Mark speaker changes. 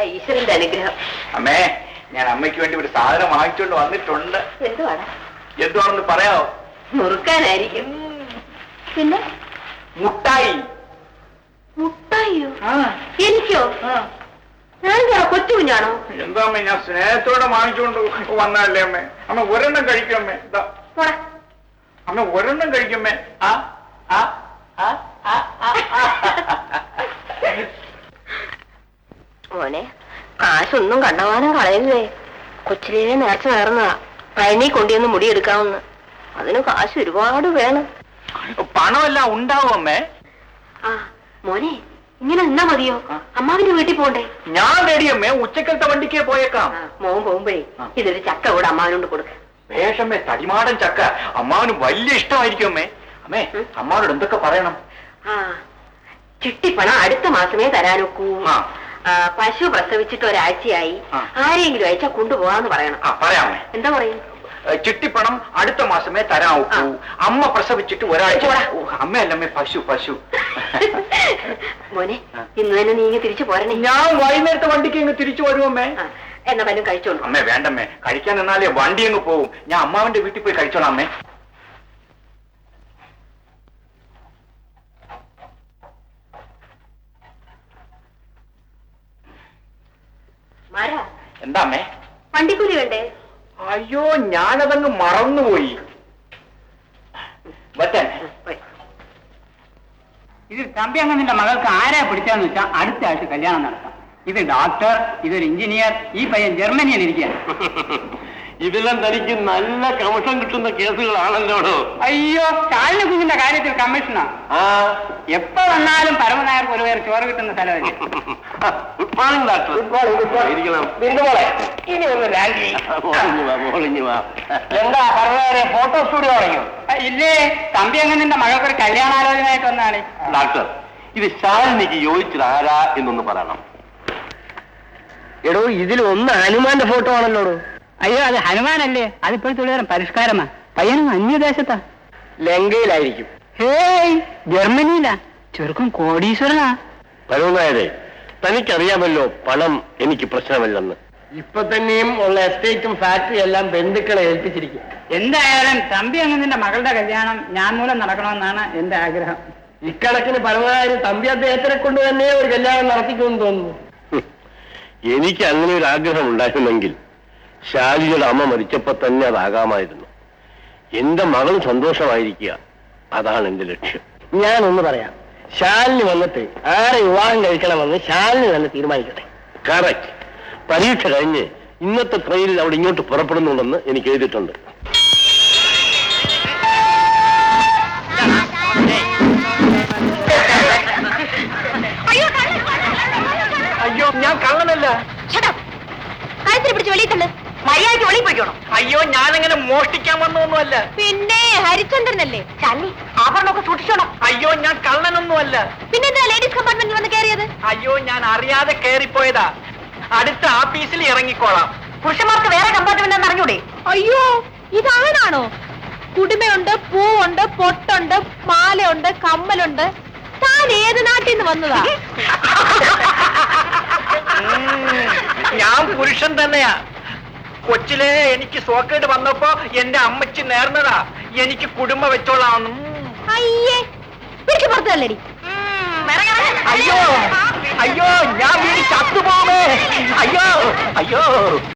Speaker 1: ഈശ്വരന്റെ അനുഗ്രഹം.
Speaker 2: അമ്മേ, ഞാൻ അമ്മയ്ക്ക് വേണ്ടി ഒരു സാധനം വാങ്ങിച്ചുകൊണ്ട് വന്നിട്ടുണ്ട്.
Speaker 1: എന്തുവാണ്?
Speaker 2: എന്തുവാണെന്ന് പറയാവോ?
Speaker 1: മുറുക്കാനായിരിക്കും. പിന്നെ
Speaker 2: മുട്ടായി.
Speaker 1: മുട്ടായിയോ? എനിക്കോ? ഞാൻ കൊച്ചു കുഞ്ഞാണോ?
Speaker 2: എന്താ അമ്മേ, ഞാൻ സ്നേഹത്തോടെ വാങ്ങിച്ചുകൊണ്ട് വന്നതല്ലേ അമ്മേ. അമ്മ ഒരെണ്ണം കഴിക്കമ്മേ. അമ്മ ഒരെണ്ണം കഴിക്കമ്മേ.
Speaker 1: മോനെ, കാശൊന്നും കണ്ടവാനും കളയുന്നേ. കൊച്ചിലേ നേർച്ച നേർന്നതാ പഴനി കൊണ്ടുവന്ന് മുടിയെടുക്കാമെന്ന്. അതിന് കാശ് ഒരുപാട് വേണം.
Speaker 2: പണമെല്ലാം ഉണ്ടാവും അമ്മേ.
Speaker 1: മോനെ, ഇങ്ങനെ നിന്നാ മതിയോ? അമ്മാവിന്റെ വീട്ടിൽ പോണ്ടേ?
Speaker 2: ഞാൻ റെഡിയമ്മേ, ഉച്ചക്കലത്തെ വണ്ടിക്ക് പോയേക്കാം.
Speaker 1: മോൻ പോകുമ്പോഴേ ഇതൊരു ചക്ക കൂടെ അമ്മാവിനോട് കൊടുക്ക.
Speaker 2: വേഷമ്മേ, തടിമാടൻ ചക്ക അമ്മാവിന് വലിയ ഇഷ്ടമായിരിക്കും അമ്മേ. അമ്മേ, അമ്മാവനോട് എന്തൊക്കെ പറയണം?
Speaker 1: ചിട്ടിപ്പണം അടുത്ത മാസമേ തരാനൊക്കൂ. പശു പ്രസവിച്ചിട്ട് ഒരാഴ്ചയായി. ആരെങ്കിലും അയച്ചാ കൊണ്ടുപോകാന്ന് പറയണം.
Speaker 2: പറയാമേ.
Speaker 1: എന്താ പറയും?
Speaker 2: ചിട്ടിപ്പണം അടുത്ത മാസമേ തരാവൂ. അമ്മ പ്രസവിച്ചിട്ട് ഒരാഴ്ച. അമ്മയല്ലമ്മേ, പശു പശു.
Speaker 1: മോനെ, ഇന്ന് തന്നെ നീ ഇങ്ങ് തിരിച്ചു പോരണേ.
Speaker 2: ഞാൻ വൈകുന്നേരത്തെ വണ്ടിക്ക് ഇങ്ങ് തിരിച്ചു വരുമേ.
Speaker 1: എന്നാ വല്ലതും കഴിച്ചോളൂ.
Speaker 2: അമ്മേ വേണ്ടമ്മേ, കഴിക്കാൻ നിന്നാലേ വണ്ടി അങ്ങ് പോവും. ഞാൻ അമ്മാവന്റെ വീട്ടിൽ പോയി കഴിച്ചോളാം അമ്മേ. എന്താ അമ്മേ?
Speaker 1: വണ്ടിക്കൂലി വേണ്ടേ?
Speaker 2: അയ്യോ, ഞാനതങ്ങ് മറന്നുപോയി.
Speaker 3: ഇത് തമ്പി അങ്ങ് നിന്റെ മകൾക്ക് ആരാ പിടിച്ചാന്ന് വെച്ചാൽ അടുത്ത ആഴ്ച കല്യാണം നടത്താം. ഇത് ഡോക്ടർ, ഇതൊരു എഞ്ചിനീയർ, ഈ പയ്യൻ ജർമ്മനിയിൽ ഇരിക്കുക.
Speaker 4: ഇതെല്ലാം തനിക്ക് നല്ല കമ്മീഷൻ കിട്ടുന്ന കേസുകളാണല്ലോ.
Speaker 3: അയ്യോ, ചാലിന് കുഞ്ഞിന്റെ കാര്യത്തിൽ കമ്മീഷനാ. എപ്പോ വന്നാലും പരമനായർക്ക് ഒരു പേർ ചോറ് കിട്ടുന്ന സ്ഥലമല്ലേ.
Speaker 4: Good morning doctor.
Speaker 3: ഇനി ഒന്ന് രാജി.
Speaker 4: എന്താ പരമനായരെ ഫോട്ടോ സ്റ്റുഡിയോ തുടങ്ങിയോ?
Speaker 3: ഇല്ലേ, തമ്പി അങ്ങ് നിന്റെ മകൾക്കൊരു കല്യാണാലോചനയായിട്ട് വന്നാണ്.
Speaker 4: ഡോക്ടർ, ഇത് ശാലിനിക്ക് യോജിച്ചത് ആരാ എന്നൊന്ന് പറയണം.
Speaker 3: എടോ, ഇതിൽ ഒന്ന് ഹനുമാന്റെ ഫോട്ടോ ആണല്ലോ. അയ്യോ, അത് ഹനുമാനല്ലേ, അതിപ്പോഴത്തെ പരിഷ്കാരമാ. പയ്യനും അന്യദേശത്താ,
Speaker 4: ലങ്കയിലായിരിക്കും.
Speaker 3: ഹേയ്, ജർമ്മനിയിലാ. ചെറുക്കും കോടീശ്വരനാ.
Speaker 4: പരമനായരെ, തനിക്കറിയാമല്ലോ പണം എനിക്ക് പ്രശ്നമല്ലെന്ന്. ഇപ്പൊ തന്നെയും ഉള്ള എസ്റ്റേറ്റും ഫാക്ടറി എല്ലാം ബന്ധുക്കളെ ഏൽപ്പിച്ചിരിക്കും.
Speaker 3: എന്തായാലും തമ്പി അങ്ങ് നിന്റെ മകളുടെ കല്യാണം ഞാൻ മൂലം നടക്കണമെന്നാണ് എന്റെ ആഗ്രഹം.
Speaker 4: ഇക്കണക്കിന് പരമനായര് തമ്പി അദ്ദേഹത്തിനെ കൊണ്ട് തന്നെ ഒരു കല്യാണം നടത്തിക്കുമെന്ന് തോന്നുന്നു. എനിക്ക് അങ്ങനെ ഒരു ആഗ്രഹം ഉണ്ടായിരുന്നെങ്കിൽ ശാലിയുടെ അമ്മ മരിച്ചപ്പോ തന്നെ അതാകാമായിരുന്നു. എന്റെ മകൾ സന്തോഷമായിരിക്കുക, അതാണ് എന്റെ ലക്ഷ്യം.
Speaker 3: ഞാനൊന്ന് പറയാം.
Speaker 4: ശാലിനി വന്നിട്ട് ആരെ വിവാഹം കഴിക്കണമെന്ന് ശാലിനി തന്നെ തീരുമാനിക്കട്ടെ. കറക്റ്റ്. പരീക്ഷ കഴിഞ്ഞ് ഇന്നത്തെ ട്രെയിനിൽ അവിടെ ഇങ്ങോട്ട് പുറപ്പെടുന്നുണ്ടെന്ന് എനിക്ക് എഴുതിയിട്ടുണ്ട്.
Speaker 2: അയ്യോ, ഞാൻ കള്ളനല്ല.
Speaker 1: പിടിച്ച് വെളിയിൽ തന്നെ മര്യാദയ്ക്ക് വെളിയിൽ പോയിക്കോണം.
Speaker 2: അയ്യോ, ഞാനങ്ങനെ മോഷ്ടിക്കാൻ വന്നൊന്നുമല്ല.
Speaker 1: പിന്നെ ഹരിചന്ദ്രനല്ലേ? ചാലി, ആഭരണമൊക്കെ സൂക്ഷിച്ചോണം.
Speaker 2: അയ്യോ, ഞാൻ കള്ളനൊന്നുമല്ല.
Speaker 1: പിന്നെന്താ ലേഡീസ് കമ്പാർട്ട്മെന്റിൽ വന്ന് കയറിയത്?
Speaker 2: അയ്യോ, ഞാൻ അറിയാതെ കയറിപ്പോയതാ. അടുത്ത ആഫീസിൽ ഇറങ്ങിക്കോളാം.
Speaker 1: പുരുഷന്മാർക്ക് വേറെ കമ്പാർട്ട്മെന്റ് എന്ന് അറിഞ്ഞൂടെ? അയ്യോ, ഇതാണാണോ? കുടുമയുണ്ട്, പൂവുണ്ട്, പൊട്ടുണ്ട്, മാലയുണ്ട്, കമ്മലുണ്ട്. താൻ ഏത് നാട്ടിൽ നിന്ന് വന്നതാ?
Speaker 2: ഞാൻ പുരുഷൻ തന്നെയാ. കൊച്ചിലെ എനിക്ക് സോക്കേട് വന്നപ്പോ എന്റെ അമ്മച്ചി നേർന്നതാ എനിക്ക് കുടുംബം വെച്ചോളാം.
Speaker 1: അയ്യേ, പിടിച്ചു പുറത്തല്ലേടി.
Speaker 2: അയ്യോ, അയ്യോ, ഞാൻ വീട് ചത്തുപോകേ. അയ്യോ, അയ്യോ.